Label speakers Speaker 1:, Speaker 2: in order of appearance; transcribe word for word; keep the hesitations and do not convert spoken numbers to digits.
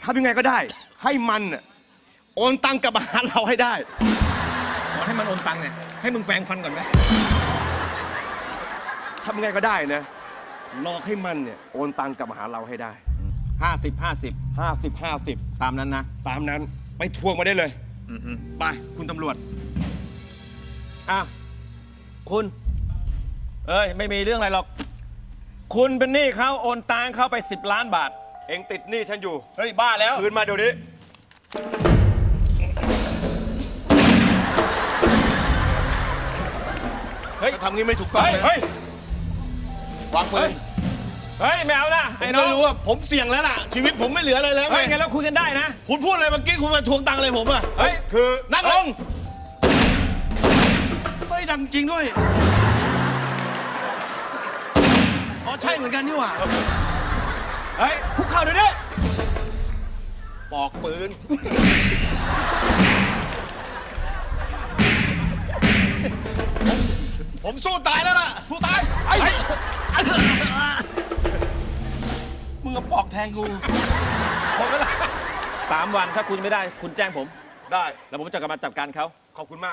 Speaker 1: ทำยังไงก็ได้ ให้มันน่ะโอนตังกลับมาหาเราให้ได้
Speaker 2: ขอให้มันโอนตังค์เนี่ยให้มึงแปรงฟันก่อนไหม
Speaker 1: ทำยังไงก็ได้นะหลอกให้มันเนี่ยโอนตังกลับมาหาเราให้ได้
Speaker 2: ห้าสิบห้าสิบ
Speaker 1: ห้าสิบ ห้าสิบ
Speaker 2: ตามนั้นนะ
Speaker 1: ตามนั้นไปทวงมาได้เลย
Speaker 2: อือฮึ
Speaker 1: ไปคุณตำรวจ
Speaker 2: อ่ะคุณ เอ้ย ไม่มีเรื่องอะไรหรอก คุณเป็นหนี้เขาโอนตังเข้าไปสิบล้านบาท
Speaker 1: เองติดหนี้ฉันอยู่
Speaker 3: เฮ้ยบ้าแล้ว
Speaker 1: คืนมาเดี๋ยวนี้
Speaker 2: เฮ้ย
Speaker 3: ทำงี้ไม่ถูกต้อง
Speaker 2: เฮ้ย
Speaker 3: นะ
Speaker 1: เฮ้ย
Speaker 3: วางปืน
Speaker 2: เฮ้ย ไม่เอานะ
Speaker 3: ผม
Speaker 2: ไอ้น้
Speaker 3: ก็
Speaker 2: อง
Speaker 3: รู้ว่าผมเสี่ยงแล้วล่ะ ชีวิตผมไม่เหลืออะไรแล้ว
Speaker 2: เฮ้ย
Speaker 3: ไง
Speaker 2: งั้นเราคุยกันได้นะ
Speaker 3: คุณพูดอะไรเมื่อกี้คุณมาทวงตังค์อะไรผมอะ
Speaker 2: เฮ้ย
Speaker 1: คือ
Speaker 3: นั่งลงเฮ้ยดังจริงด้วยอ๋อใช่เหมือนกันนี่หว่า
Speaker 2: เฮ้ย
Speaker 1: คุกเข่าเดี๋ยวนี้
Speaker 3: ปอกปืนผมผมสู้ตายแล้วล่ะสู้ตายไอ้มึงเอาปอกแทงกู
Speaker 2: หมดเวลาสามวันถ้าคุณไม่ได้คุณแจ้งผม
Speaker 1: ได้
Speaker 2: แล้วผมจะกลับมาจัดการเขา
Speaker 1: ขอบคุณมาก